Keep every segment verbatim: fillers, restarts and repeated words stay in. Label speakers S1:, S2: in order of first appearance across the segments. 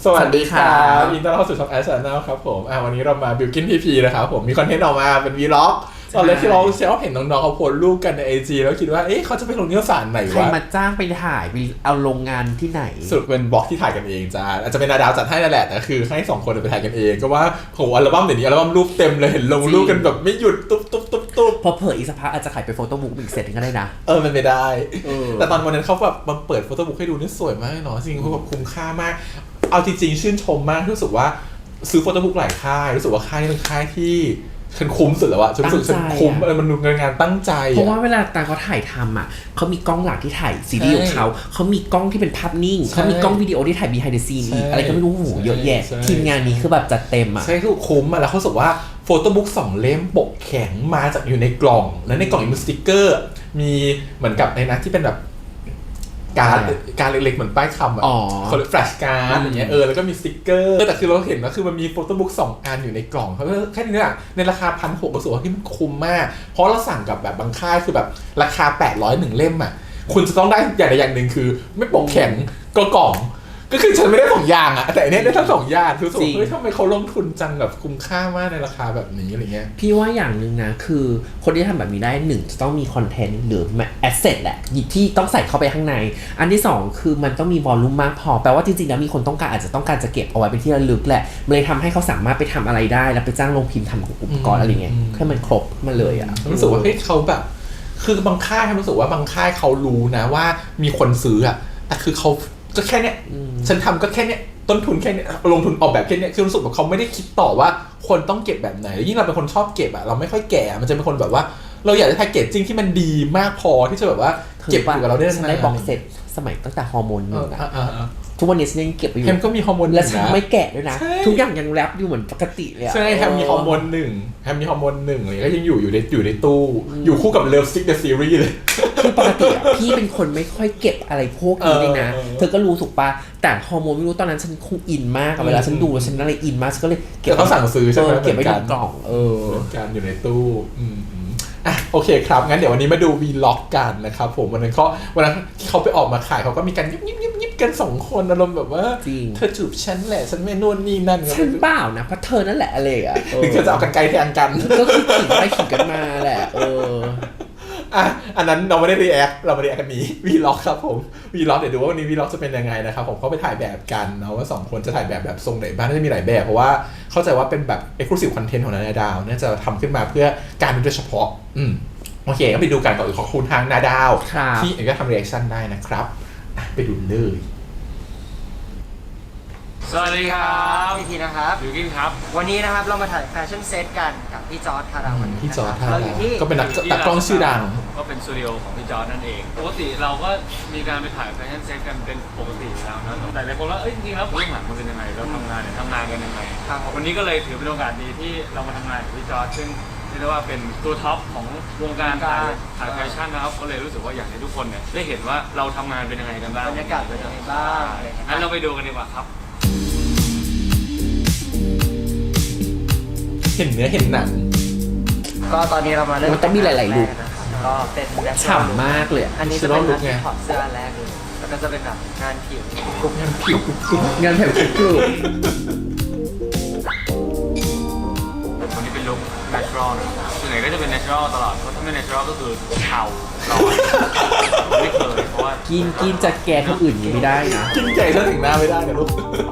S1: สวัสดีครับยินดีต้อนรับเข้าสู่ช่องแอชแนลครับผมอ่าวันนี้เรามาบิวกินพีพีนะครับผมมีคอนเทนต์ออกมาเป็นวีล็อกตอนแรกที่เราเชื่อว่าเห็นน้องๆเขาโพสรูปกันใน ไอ จี แล้วคิดว่าเอ๊ะเขาจะไปลงนิตยสารไหนวะ
S2: ใครมาจ้างไปถ่ายไปเอาโรงงานที่ไหน
S1: สุดเป็นบล็อกที่ถ่ายกันเองจ้าอาจจะเป็นนาดาวจัดให้นั่นแหละแต่คือให้สองคนไปถ่ายกันเองก็ว่าโหอัลบั้มเดี๋ยวนี้อัลบั้มรูปเต็มเลยเห็นลงรูปกันแบบไม่หยุดตุ๊บตุ๊บตุ๊บตุ๊บ
S2: พอเผยอีกสักพักอาจจะขายเป็นโฟโต้บุ๊กอีกเซตนึงก็ได้นะ
S1: เออมันไม่ได้แต่ตอนวันนั้นเขาแบบมาเปิดโฟโต้บุ๊กให้ดูนี่สวยมากเนาะจริงๆเขาแบบคุ้มค่ามากเอาจริงๆชื่นชมมากรู้สึกว่าซื้อโฟโต้บุ๊กหลายค่ายรู้สึกว่าค่ายนี้เป็นค่ายที่ฉันคุ้มสุดแล้วอะฉันรู้สึกฉันคุ้มเออมันดูงานตั้งใจ
S2: เพราะว่าเวลาตาเขาถ่ายทำอ่ะเขามีกล้องหลักที่ถ่ายซีรีส์ของเขาเขามีกล้องที่เป็นภาพนิ่งเขามีกล้องวิดีโอที่ถ่าย behind the scene อีกอะไรก็ไม่รู้โหเยอะแยะทีมงานนี้คือแบบจัดเต็มอ่ะ
S1: ใช่คือคุ้มอะแล้วเขาสึกว่าโฟโต้บุ๊กสองเล่มปกแข็งมาจากอยู่ในกล่องแล้วในกล่องมีสติ๊กเกอร์มีเหมือนกับในนั้นที่เป็นแบบการการเล็กๆเหมือนป้ายคำอ่ะเขาเรียกแฟลชการ์ดอย่างเงี้ยเออแล้วก็มีสติ๊กเกอร์แต่คือเราเห็นว่าคือมันมีโฟโต้บุ๊กสองอันอยู่ในกล่องเขาแค่นี้เนี่ยในราคา หนึ่งพันหกร้อย รู้สึกว่าที่มันคุ้มมากเพราะเราสั่งกับแบบบางค่ายคือแบบราคาแปดร้อยหนึ่งเล่มอ่ะคุณจะต้องได้อย่างใดอย่างหนึ่งคือไม่ปกแข็งก็กล่องก็คือฉันไม่ได้สองอย่างอะแต่อันนี้ได้ทั้งสองอย่างคือสมมติเฮ้ยทำไมเขาลงทุนจังแบบคุ้มค่ามากในราคาแบบนี้อะไรเงี้ย
S2: พี่ว่าอย่างหนึ่งนะคือคนที่ทำแบบนี้ได้หนึ่งจะต้องมีคอนเทนต์หรือแอสเซทแหละที่ต้องใส่เข้าไปข้างในอันที่สองคือมันต้องมีวอลลุ่มมากพอแปลว่าจริงๆแล้วมีคนต้องการอาจจะต้องการจะเก็บเอาไว้เป็นที่ระลึกแหละมันเลยทำให้เขาสามารถไปทำอะไรได้แล้วไปจ้างโรงพิมพ์ทำอุปกรณ์อะไรเงี้ยให้มันครบมาเลยอะ
S1: รู้สึกว่าเฮ้ยเขาแบบคือบางค่ายรู้สึกว่าบางค่ายเขารู้นะว่ามีคนซื้ออะแต่คือเขาก็แค่เนี้ยฉันทำก็แค่เนี้ยต้นทุนแค่เนี้ยลงทุนออกแบบแค่เนี้ยคือรู้สึกว่าเขาไม่ได้คิดต่อว่าคนต้องเก็บแบบไหนยิ่งเราเป็นคนชอบเก็บอะเราไม่ค่อยแก่มันจะเป็นคนแบบว่าเราอยากได้แพคเกจจิ้งที่มันดีมากพอที่จะแบบว่าเก็บอยู่กับเราได้นาน
S2: ฉันได้บ็อกเซตสมัยตั้งแต่ฮอร์โมนหนึ่งทุกวันนี้ฉันยังเก็บไว้อยู่
S1: แฮมก็มีฮอร์โมน
S2: และฉันไม่แกะด้วยนะทุกอย่างยังแรปอยู่เหมือนปกติเลย
S1: ใช่แฮมมีฮอร์โมนหนึ่งแฮมมีฮอร์โมนหนึ่งเลยก็ยังอยู่อยู่ในอยู่ในตู้อยู่คู่กับเลิฟซิกเดอะซีรีส์เลย
S2: คือปกติอ่ะพี่เป็นคนไม่ค่อยเก็บอะไรพวกนี้เลยนะเธอก็รู้ถูกปะแต่ฮอร์โมนไม่รู้ตอนนั้นฉันคงอินมากเวลาฉันดูแล้วฉันอะไรอินมากฉันก็เลย
S1: เก็บเขาสั่งซื้อใช่ไหม
S2: เก็บไว้ในกล่องเออ
S1: การอยู่ในตู้อ่ะโอเคครับงั้นเดี๋ยววันนี้มาดูวีล็อกกันนะครับผมวันนั้นเขาวันนั้นที่เขาไปออกมาขายเขาก็มีการยิบยิบยิบยิบกันสองคนอารมณ์แบบว่าเธอจูบฉันแหละฉันไม่นู่นนี่นั่น
S2: ฉันเปล่านะเพราะเธอนั่นแหละอะไรอ่ะ
S1: ถึงจะเอากันไกลแทงกัน
S2: ก็คือขิงไปขิงกันมาแหละเออ
S1: อ่ะอันนั้นเราไม่ได้รีแอคเราไม่ได้แอคกันนี้วีล็อกครับผมวีล็อกเดี๋ยวดูว่าวันนี้วีล็อกจะเป็นยังไงนะครับผมเขาไปถ่ายแบบกันเนาะว่าสองคนจะถ่ายแบบแบบทรงไหนบ้างน่าจะมีหลายแบบเพราะว่าเข้าใจว่าเป็นแบบ exclusive content ของนาดาวน่าจะทำขึ้นมาเพื่อการโดยเฉพาะอืมโอเคก็ไปดูกันก่อนขอบคุณทางนาดาวที่เอกก็ทำรีแอคชั่นได้นะครับไปดูเลย
S3: สวัสดีครับ
S4: พี่ทีนะครับ
S3: บิวกิ้นครับ
S4: วันนี้นะครับเรามาถ่ายแฟชั่นเซตกันกับพี่จอร์จคาราวัน
S1: พี่จอร์จคารา
S4: ก็
S1: เป็นนักตัดกล้องชื่อดัง
S3: ก็เป็นสตูดิโอของพี่จอร์จนั่นเองปกติเราก็มีการไปถ่ายแฟชั่นเซตกันเป็นปกติแล้วนะแต่หลายคนว่าเอ้ยจริงๆแล้วเบื้องหลังมันเป็นยังไงเราทำงานเนี่ยทำงานกันยังไงวันนี้ก็เลยถือเป็นโอกาสดีที่เรามาทำงานกับพี่จอร์จซึ่งเรียกว่าเป็นตัวท็อปของวงการถ่ายถ่ายแฟชั่นนะครับก็เลยรู้สึกว่าอยากให้ทุกคนเนี่ยได้เห็นว่าเราทำงานเป็นยังไงกันบ้าง
S4: บรรยากาศเป็นยังไงบ้าง
S3: งั้นเราไปดูกันดีกว่าครับ
S1: เห็นเนื้อเห็นหนัง
S4: ก็ตอนนี้เรามาเริ่ม
S2: มันต้องมีหลายๆลุค
S4: ก็เป็น
S2: ฉ่ำมากเลย
S4: อันนี้จะเป็นงานถอดเสื้อแรกเลยแล้วก็จะเป็นแบบงานผิว
S1: กรุ๊ปงานผิวกรุ๊ป
S2: งานแผ่นกรุ๊ป
S3: วันนี้เป็นลุค natural นะส่วนใหญ่ก็จะเป็น natural ตลอดเพราะถ้าไม่ natural ก็คือเทาร้อนไม่เคยเพราะว่า
S2: กินกินจะแกงคนอื่นไม่ได้นะ
S1: กินไก่ถ้าถึงหน้าไม่ได้นะลูก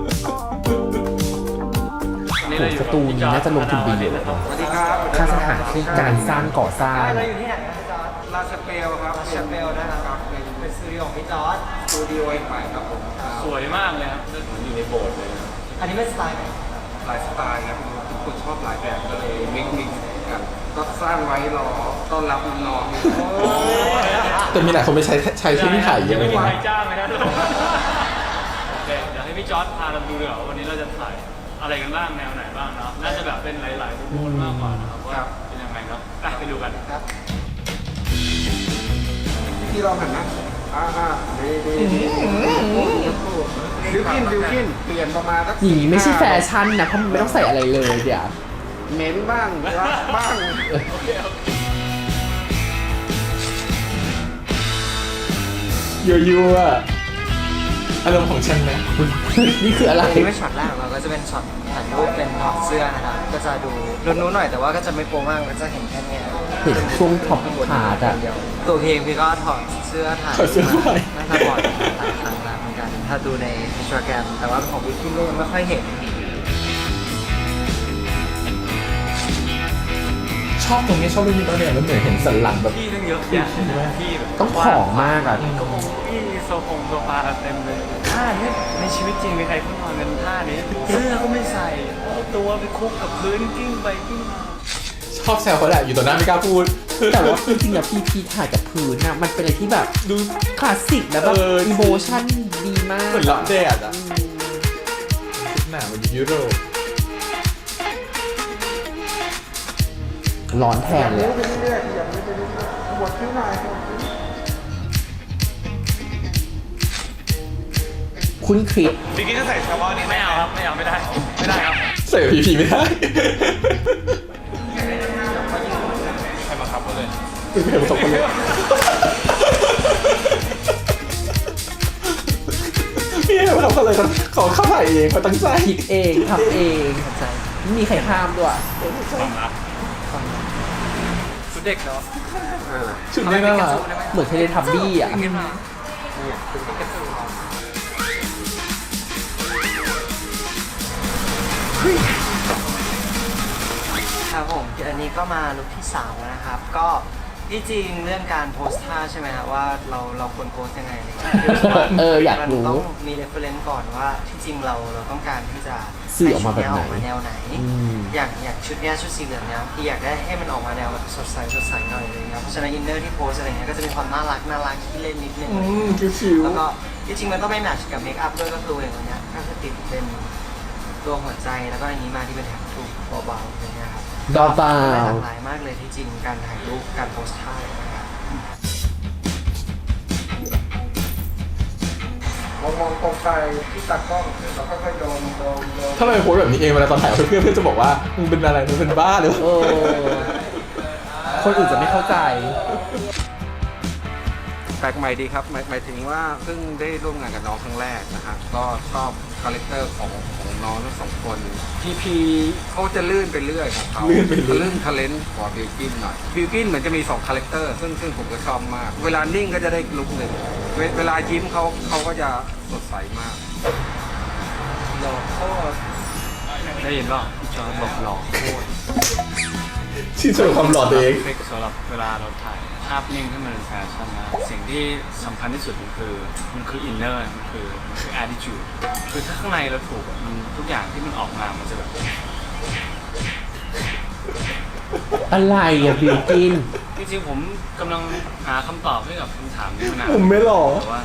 S2: สตูนี้น่าจะลงทุนดีเลยค่าสถานที่การสร้างก่อสร้าง
S4: เราอยู่ที่ไหนครับลาชเปลครับลาชเปลนะครับเป็นสตูดิโอของพี่จอร์จสตูดิโอใหม่ครับผม
S3: สวยมากเลยครับเหมือนอยู่ในโบสถ์เลย
S4: อันนี้เป็นสไตล์ไหน
S5: หลายสไตล์ครับทุกคนชอบหลายแบบก็เลยมิกซ์มิกซ์กันก็สร้างไว้รอต้อนรับน้อง
S1: แต่มีหลายคนไม่ใช้ใช้ที่นี่ถ่ายเยอะ
S3: เลยไม่มีใครจ้างเลยนะทุกคนโอเคเดี๋ยวให้พี่จอร์จพาเราดูเดี๋ยววันนี้เราจะถ่ายอะไรกันบ้างแนวไหนบ้างนะน่าจะแบบเป็นหลายๆมุมมากกว่านะครับว่าเป็นยังไงครับไปดูกันครับ
S5: ที่เราหันนะอ่าอ่าดีดีบิวกินบิวกินเปลี่ยนประมาณสัก
S2: อย่างนี้ไม่ใช่แฟชั่นนะเพราะมันไม่ต้องใส่อะไรเลยเดี๋ยว
S5: เม้นบ้างรักบ้าง
S1: ยั่วยั่วอารมณ์ของฉันไหม
S2: นี่คืออะไร
S4: อันนี้เป็นช็อตแรกของเราก็จะเป็นช็อตถ่ายรูปเป็นถอดเสื้อนะครับก็จะดูลุ้นๆหน่อยแต่ว่าก็จะไม่โป๊มากก็จะเห็นแค่เนี้ย
S2: เห็นช่วงท็อปพาร์ทอะ
S4: ตัวเพลงพี่ก็ถอดเสื้อถ่าย
S1: ถอดเสื้อไป
S4: น่าจะบ่อยหลายครั้งแล้วเหมือนกันถ้าดูในอินสตาแกรมแต่ว่าของวิกกี้ก็ยังไม่ค่อยเห็น
S1: ชอบตรงนี้ชอบเรื่องนี้ตอนเนี้ยมันเหมือนเห็นสันหลังแบบ
S3: ที่ตั้งเยอะแยะที่แบบ
S2: ต้องผอมมากอะ
S3: ที่โซฟงโซฟาเต็มเลยท่านี้ในชีวิตจริงมีใครเขานอนกันท่านี้เสื้อก็ไม่ใส่เอาตัวไปคุกกับพื้นกิ้งไปกิ้งมา
S1: ชอบแซวเขาแหละอยู่ต่อหน้าไม่กล้าพูด
S2: แต่ว่าจริงๆอะพีพีถ่ายกับพื้นอะมันเป็นอะไรที่แบบ
S1: ดู
S2: คลาสสิกแล้วแบบ
S1: เออ
S2: อีโมชั่นดีมาก
S1: เหมือนรับแดดอ่ะชุดหนาเหมือนยุโรป
S2: ร้อนแทนเลยอะคุณคริส
S3: พี่กิ๊กจะใส่เฉพาะนี้ไม่เอาครับไม่เอาไม่ได้ไม่ได้ครับ
S1: ใส่พีพีไม่ได้
S3: ใครบังคับเขาเลย
S1: ไม่เห็นสองคนเลยพี่เห็นเขาทำอะไรกันเขาเข้าถ่ายเองเขาตั้งใจ
S2: คิดเองทำเอง
S4: ใจ
S2: ไม่มีใครห้ามด้วย
S3: ความรัก
S4: ชุดเด็กเนาะ
S1: ชุดนี้น่ารัก
S2: เหมือนเทเลทับบี้อะ
S4: ครับผมอันนี้ก็มาลุคที่สามแล้วนะครับ ก็ที่จริงเรื่องการโพสท่าใช่ไหมครับว่าเราเราควรโพสยังไงเนี่ย
S2: เอออยากรู้
S4: มันต้องมี reference ก่อนว่าที่จริงเราเราต้องการที่จะ
S2: สื่อออกมาแบบไหน
S4: ให้ชุดเยออกมาแนวไหน
S2: อืม
S4: อย่างอย่างชุดเนี้ยชุดสีเหลืองเนี้ยพี่อยากได้ให้มันออกมาแนวแบบสดใสสดใสหน่อยอะไรเงี้ยเพราะฉะนั้นอินเนอร์ที่โพสอะไรเงี้ยก็จะมีความน่ารักน่ารักที่เล่นนิดนึง
S1: อืมชิว
S4: แล้วก็ที่จริงมันต้องไม่แมทช์กับเมคอัพด้วยก็คืออย่างวันเนี้ยก็คือติดเป็นตัวหัวใจแล้วก็อันนี้มาที่เป็นแถบทูเบาๆอย่างเงี้ยครับ
S2: ดอเปล่า
S4: หลากหลายมากเลยที่จริงการถ่ายรูปการโพสท่านะครับ
S5: มองมองตรงไปที่ตากล้องแล้วก็ค่อยๆโดนโดนโดน
S1: ๆถ้าเราไปโพสแบบนี้เองเวลาตอนถ่ายกับเพื่อนๆเพื่อนจะบอกว่ามึงเป็นอะไรมึงเป็นบ้าหรือเป
S2: เอ
S1: ล่า
S2: อ คนอื่นจะไม่เข้าใจ
S5: แปลกใหม่ดีครับหมายหมายถึงว่าเพิ่งได้ร่วมงานกับน้องครั้งแรกนะครับก็ชอบคาแรคเตอร์ของของน้องทั้งสองคนพีพีเขาจะลื่นไปเรื่อยของเขา
S1: ลื่นไปเรื่อย
S5: ลื่นทาเลนต์กว่าบิวกินหน่อยบิวกินเหมือนจะมีสองคาแรคเตอร์ซึ่งซึ่งผมก็ชอบมาก เวลานิ่งก็จะได้ลุคหนึ่งเวเวลายิ้มเขาเขาก็จะสดใสมากหล่อโคตร
S3: ได้ยินเปล่าพี่จอร์จบอกหล่อโคตร
S1: ชื่นชมความหล่อตัวเอง
S3: ทริคสำหรับเวลาเราถ่ายภาพนิ่งให้มันเป็นแฟชั่นนะสิ่งที่สำคัญที่สุดมันคือมันคืออินเนอร์มันคือมันคือ attitude คือถ้าข้างในเราถูกอะมันทุกอย่างที่มันออกมามันจะแบบ
S2: อะไรอะบิวกิน
S3: จริงๆผมกำลังหาคำตอบให้กับคำถามนี้มานาน
S1: ผมไม่หล่อ
S3: แต่ว่า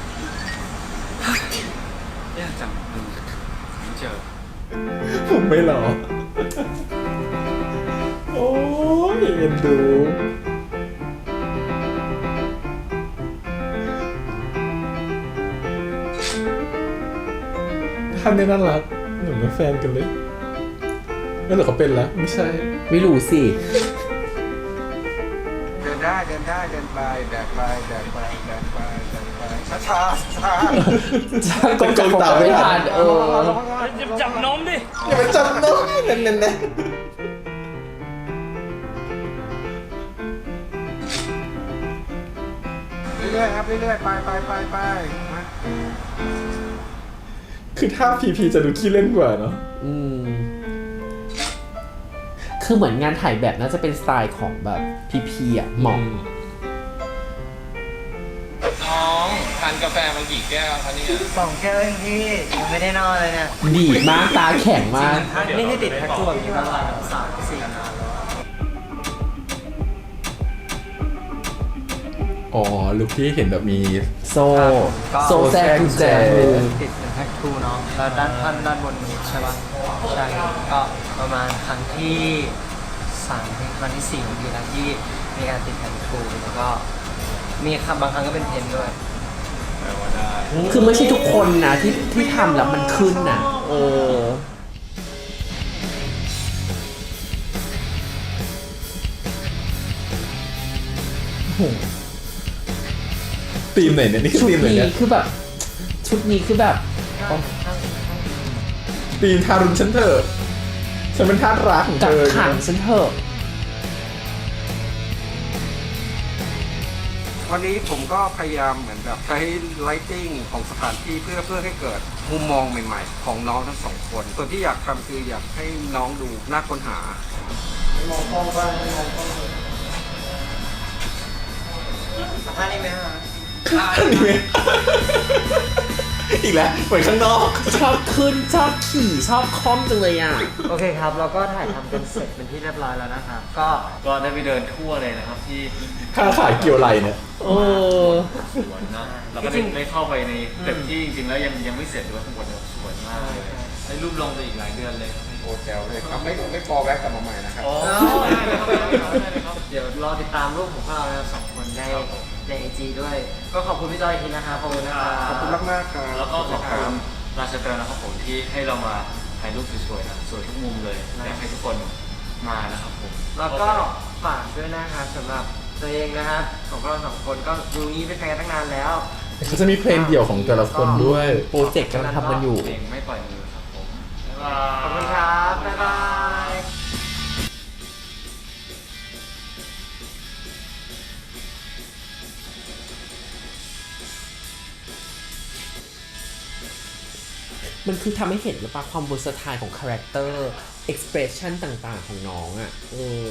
S3: ยากจังมันไม่เจอ
S1: ผมไม่หล่อโอ้ยเอ็นดูท่านนี่น่ารักเหมือนเป็นแฟนกันเลยไม่หรอเขาเป็นแล้วไม่ใช่
S2: ไม่รู้สิ
S5: เดินได้เดินได้เดินไปแดกไปแดกไปแดกไปแดกไปช้าช้าช้า
S2: ช่างกงจับผมไม่ทันเออ
S3: จับนมดิ
S1: อย่าไปจำน้องนั่นนั่นนั่น
S5: เรื่อยๆครับเรื่อยๆไปไปไปไปมา
S1: คือถ้าพีพีจะดูขี้เล่นกว่าเนาะ
S2: อืม คือเหมือนงานถ่ายแบบน่าจะเป็นสไตล์ของแบบพีพีอะเหมาะ
S5: น้องทานกาแฟมากี่แก้วคะเนี่ย
S4: สองแก้วเองพี่ยังไม่ได้นอนเลยเนี่ย
S2: ดีดมากตาแข็งมาก
S4: นี่ให้ติดแพ็คตัวมีประมาณสามสี่นานแล้ว
S1: อ๋อลุคที่เห็นแบบมี
S2: โซ่ โซ่แทรกกุญแจมือ
S4: ติดเป็นแพ็คทูเนาะแล้วด้านท่านด้านบนนี้ใช่ปะใช่ก็ประมาณครั้งที่สามครั้งที่สี่ของปีแล้วที่มีการติดแพ็คทูแล้วก็มีคำบางครั้งก็เป็นเพนด้วย
S3: แปลว่าได้
S2: คือไม่ใช่ทุกคนนะที่ที่ทำแล้วมันขึ้นนะเออ
S1: ธีมไหนเนี่ยนี่คือ
S2: ชุด
S1: ธีมไหน
S2: นี้
S1: เนี่ย
S2: คือแบบชุดชุดนี้คือแบบ
S1: ตีนทารุณฉันเถอะฉันเป็นทาสรักของ
S2: กั
S1: เธ
S2: ก
S1: อ
S2: ขังฉันเถอะ
S5: วันนี้ผมก็พยายามเหมือนแบบใช้ไลติ้งของสถานที่เพื่อเพื่อให้เกิดมุมมองใหม่ๆ ของน้องทั้งสองคนส่วนที่อยากทำคืออยากให้น้องดูน่าค้นหา
S4: มองกล้องบ้างไม่มองกล้องเลยท่านี้ไหมฮะ
S1: นี่ไงอีกแล้วเหมือนข้างนอก
S2: ชอบขึ้นชอบขี่ชอบคล่อมจังเลยอ่ะ
S4: โอเคครับ เราก็ถ่ายทำกันเสร็จเป็นที่เรียบร้อยแล้วนะครับก็
S3: ก็ได้ไปเดินทั่วเลยนะครับที่
S1: ค่าขายเกี่ยวไหลเนี่ย
S2: เออ
S3: สวนนะเราก็ได้ได้เข้าไปในตึกที่จริงๆแล้วยังยังไม่เสร็จด้วยทั้งหมดเนี่ยสวยมากเลยได้รูปลงไปอีกหลายเดือนเลย
S5: โอ้แจ๋วเลยครับไม่ไม่พอแวะกลับมาใหม่นะครับ
S3: อ๋อได้เลยครับได้เลยครับได้เลยครับ
S4: เดี๋ยวรอติดตามรูปของพวกเราสองคนในในไอจีด้วย ก็ขอบคุณพี่จอยอีกทีนะครับขอบคุณนะครับ
S5: ขอบคุณมากๆครับ
S3: แล้วก็ขอบคุณราชเตอร์นะครับผมที่ให้เรามาถ่ายรูปสวยๆนะสวยทุกมุมเลยอยากให้ทุกคนมานะครับผม
S4: แล้วก็ฝากด้วยนะครับสำหรับตัวเองนะครับของพวกเราสองคนก็ดูนี้เป็นแฟนกันตั้งนานแล้ว
S1: เขาจะมีเพลงเดี่ยวของแต่ละคนด้วย
S2: โปรเจกต์กำลังทำกันอยู่
S3: เพลงไม่ปล่อยมือครับผมบ๊ายบาย
S4: ขอบคุณครับ บ๊ายบาย
S2: มันคือทำให้เห็นหรือเปล่าความเวอร์สไตล์ของคาแรคเตอร์ เอ็กซ์เพรสชันต่างๆของน้องอ่ะ เออ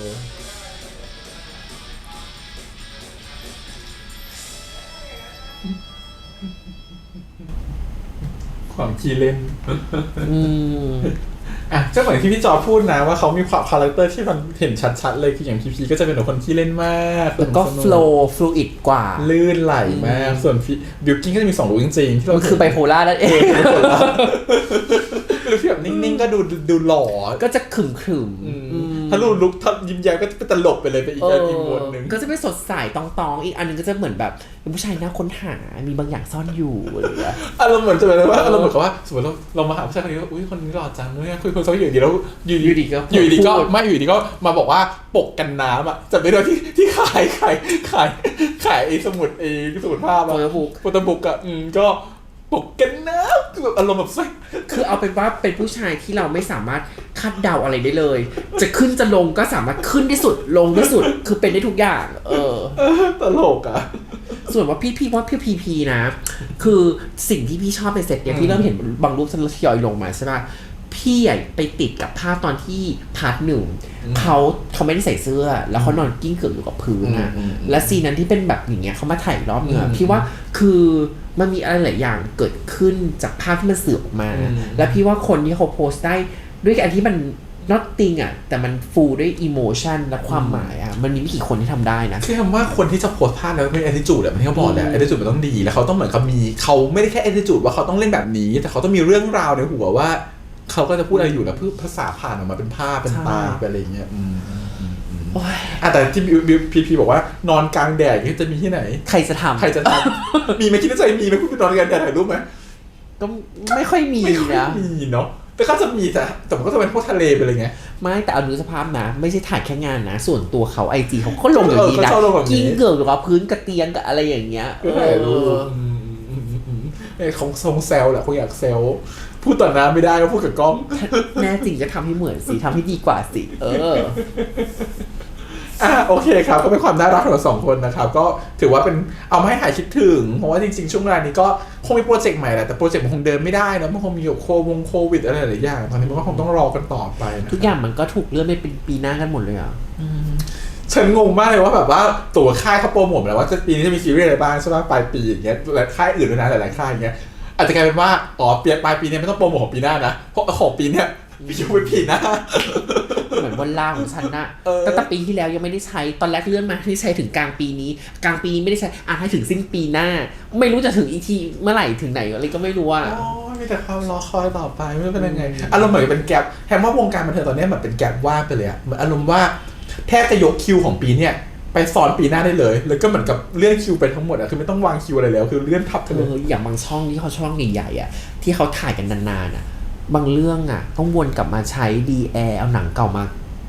S1: ความขี้เล่น
S2: อืม
S1: อ่ะก็เหมือนที่พี่จอพูดนะว่าเขามีความคาแรคเตอร์ที่มันเห็นชัดๆเลยคืออย่างพีพีก็จะเป็นคนขี้เล่นมาก
S2: แล้วก็
S1: สนุ
S2: โฟล์ฟลูอิดกว่า
S1: ลื่นไหลมาก ส่วนบิวกิ้งก็จะมีสองลุคจริงๆที่เรา
S2: มันคือไบโพล่านั่นเอง
S1: หรือที่แบบนิ่งๆก็ดูดูหล่อ
S2: ก็จะขึมขึม
S1: อืมถ้ารูลุกถ้ายิ้มแย้มก็จะเป็นตลกไปเลยไปอีก
S2: เอ
S1: อีกโหมดหนึ่ง
S2: ก็จะไม่สดใสตองตองๆอีกอันหนึงก็จะเหมือนแบบเป็นผู้ชายน่าค้นหา มีบางอย่างซ่อนอยู่อะไรอย่างเงี้ย
S1: อารมณ์เหมือนจะเป็นว่าอารมณ์เหมือนกับว่าสมมติเราเรามาหาผู้ชายคนนี้ว่าอุ้ยคนนี้หล่อจังเนี่ยคุยคุยเขาอยู่ดีแล้วอยู่
S2: อยู่ดีก็
S1: อยู่ดีก็
S2: พูด
S1: ไม่อยู่ดีก็มาบอกว่าปกกันน้ำอ่ะจะไปโดยที่ที่ขายขายขายขายไอ้สมุดไอ้สมุดภาพ
S2: โฟ
S1: อะ
S2: ล์บุก
S1: โฟโต้บุ๊กอ่ะอืมก็ปกกันน้ำคือแบบอารมณ์แบบใส่
S2: คือเอาเป็นว่าเป็นผู้ชายที่เราไม่สามารถคาดเดาอะไรได้เลย จะขึ้นจะลงก็สามารถขึ้นได้สุดลงได้สุด คือเป็นได้ทุกอย่าง เออ
S1: เออตลกอ่ะ
S2: ส่วนว่าพี่พี่ว่าพี่พีพีนะ คือสิ่งที่พี่ชอบในเซตเนี่ยพี่เริ่มเห็นบางรูปทยอยลงมาใช่ป่ะพี่อะไปติดกับภาพตอนที่พาร์ทหนึ่งเขาเขาไม่ได้ใส่เสื้อ แล้วเขานอนกิ้งเกือบอยู่กับพื้นอะและซีนนั้นที่เป็นแบบอย่างเงี้ยเขามาถ่ายรอบเงือพี่ว่าคือมันมีอะไรหลายอย่างเกิดขึ้นจากภาพที่มันสื่อออกมา และพี่ว่าคนที่เขาโพสต์ได้ด้วยอันที่มัน not thing อ่ะแต่มันฟูลด้วย emotion และความหมายอ่ะมันมีไม่กี่คนที่ทำได้นะ
S1: คือคำว่าคนที่จะโพสต์ภาพแล้วเป็น attitude แบบที่เขาบอกแหละ attitude มันต้องดีแล้วเขาต้องเหมือนเขามีเขาไม่ได้แค่ attitude ว่าเขาต้องเล่นแบบนี้ แต่เขาต้องมีเรื่องราวในหัวว่าเขาก็จะพูดอะไรอยู่แล้วเพื่อภาษาผ่านออกมาเป็นภาพเป็นตาเป็นอะไรอย่างเงี้ยอืมอืมอืมอืมอ่ะแต่ที่บิวพีพีบอกว่านอนกลางแดดนี่จะมีที่ไหน
S2: ใครจะทำ
S1: ใครจะทำ มีไหมคิดในใจมีไหมคุณไปนอนกลางแดดถ่ายรูปไหม
S2: ก็ไม่ค่อยมี
S1: ไม่ค่อย
S2: นะ
S1: มีเนาะแต่ก็จะมีแต่แต่มันก็จะเป็นพวกทะเลไปเลยไง
S2: ไม่แต่เอาดูสภาพนะ ไม่ใช่ถ่ายแค่งานนะ ส่วนตัวเขาไอจีเขาก็ลงอย่างนี้นะ
S1: เออเขาชอบลงแบบนี้
S2: กิ้งเกือบหรือว่าพื้นกระเตียงกับอะไรอย่างเงี้ย
S1: ก็ถ่ายรูปอืมอืมอืมอืมเอ้ยของทรงเซลแหละคงอยากเซลพูดต่อหน้าไม่ได้ก็พูดกับกล้อง
S2: แน่จริงก็ทำให้เหมือนสิทำให้ดีกว่าสิ เออ
S1: อ่ะโอเคครับก็เป็นความน่ารักของเราสองคนนะครับก็ถือว่าเป็นเอามาให้หายคิดถึงเพราะว่าจริงๆช่วงเวลานี้ก็คงมีโปรเจกต์ใหม่แหละแต่โปรเจกต์มันคงเดินไม่ได้นะมันคงมีโควงโควิดอะไรหลายอย่างตอนนี้มันก็คงต้องรอกันต่อไปนะ
S2: ทุกอย่างมันก็ถูกเลื่อนไปเป็นปีหน้ากันหมดเลยอ่ะ
S1: ฉันงงมากเลยว่าแบบว่าตัวค่ายเขาโปรโมทมาแล้วว่าจะปีนี้จะมีซีรีส์อะไรบ้างใช่ไหมปลายปีอย่างเงี้ยและค่ายอื่นด้วยนะหลายๆค่ายอย่างเงี้ยอาจจะกลายเป็นว่าอ๋อเปลี่ยนปลายปีนี้ไม่ต้องโปรโมทของปีหน้านะเพราะของปีเนี้ยพี่ยูไปปีหน้า
S2: เหมือนวันลาของฉันนะ
S1: เออ
S2: ตั้งแต่ปีที่แล้วยังไม่ได้ใช้ตอนแรกเลื่อนมาที่ใช้ถึงกลางปีนี้ กลางปีนี้ไม่ได้ใช้อ่ะให้ถึงสิ้นปีหน้า ไม่รู้จะถึงอีกทีเมื่อไหร่ถึงไหนอะไรก็ไม่รู้อ่ะ
S1: โอ้ยมีแต่ความรอคอยต่อไปไม่รู้เป็นยังไงอารมณ์เหมือนเป็นแกลบแฮมว่าวงการบันเทิงตอนนี้เหมือนเป็นแกลบว่างไปเลยอะเหมือนอารมณ์ว่าแทบจะยกคิวของปีเนี้ยไปซ้อนปีหน้าได้เลยแล้วก็เหมือนกับเลื่อนคิวไปทั้งหมดอะคือไม่ต้องวางคิวอะไรแล้วคือเลื่อนทับกัน
S2: เอ
S1: เลย
S2: ออย่างบางช่องที่เขาช่องใหญ่ๆอ่ะที่เขาถ่ายกันนานๆอ่ะบางเรื่องอ่ะต้องวนกลับมาใช้ดีแอร์เอาหนังเก่ามาแ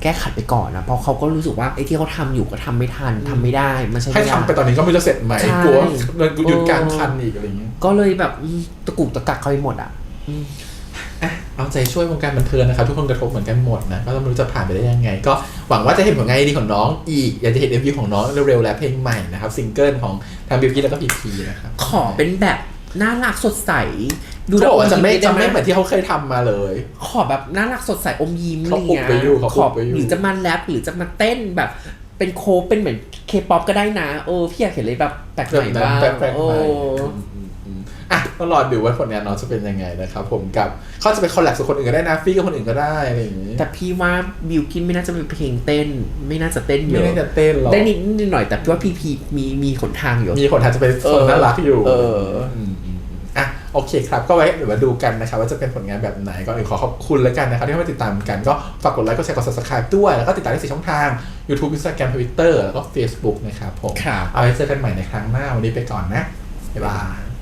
S2: ก้ขัดไปก่อนนะเพราะเขาก็รู้สึกว่าไอ้ที่เขาทำอยู่ก็ทำไม่ทันทำไม่ได้มันใช่
S1: ให้ทำไปตอนนี้ก็ไม่รู้จะเสร็จไหม
S2: ใช่
S1: กลัวมันหยุดกลารคันอีกอะไรอย่างเงี้ย
S2: ก็เลยแบบอืมตะกุกตะกักเขาไปหมดอ่ะ
S1: อ่ะเอาใจช่วยวงการบันเทิงนะครับทุกคนกระทบเหมือนกันหมดนะก็ไม่รู้จะผ่านไปได้ยังไง ก็หวังว่าจะเห็นผลงานดีของน้องอีกอยากจะเห็น เอ็ม วี ของน้องเร็วๆและเพลงใหม่นะครับซิงเกิลของทางบิวกี้แล้วก็พีพีนะครับ
S2: ขอเป็นแบบน่ารักสดใส
S1: เขาบอกว่าจะไม่
S2: ด้
S1: จะ
S2: ห
S1: ไม่เหมือนที่เขาเคยทำมาเลย
S2: ขอแบบน่ารักสดใสอมยิ้ม
S1: เขาอุบไว้อยู่เขา
S2: ข
S1: อุ
S2: อบ
S1: ไว้อยู่
S2: หรือจะมาแรปหรือจะมาเต้นแบบเป็นโคฟเป็นเหมือนเคป๊อปก็ได้นะเออพี่อยากเห็นเลยแบบแปลกใหม่บ้าง
S1: แปลกๆ
S2: โอ้
S1: ใหม่อืมๆอ่ะต้องรอดูว่าผลงานน้องจะเป็นยังไงนะครับผมกับเขาจะไปคอลแลบกับคนอื่นก็ได้นะฟี่กับคนอื่นก็ได้อะไรอย่างงี้
S2: แต่พี่ว่าบิวกินไม่น่าจะมีเพลงเต้น ไม่น่าจะเต้นเย
S1: ไม่
S2: อะ
S1: ได้จะเต้นหรอก
S2: ได้นิดนิดหน่อยแต่พี่ว่าพีพีมีมีหนทางอยู่
S1: มีคนอาจจะเป็นคนน่ารักอยู่
S2: เออ
S1: มๆอ่ะโอเคครับก็ไว้เดี๋ยวมาดูกันนะครับว่าจะเป็นผลงานแบบไหนก็ขอขอบคุณแล้วกันนะครับที่มาติดตามกันก็ฝากกดไลค์กดแชร์กด ซับสไครบ์ ด้วยแล้วก็ติดตามได้สี่ช่องทาง YouTube Instagram Twitter แล้วก็ Facebook นะครับผม
S2: ครับ
S1: เอาไว้เจอกันใหม่ในครั้งหน้าวันนี้ไปก่อนนะบ๊ายบาย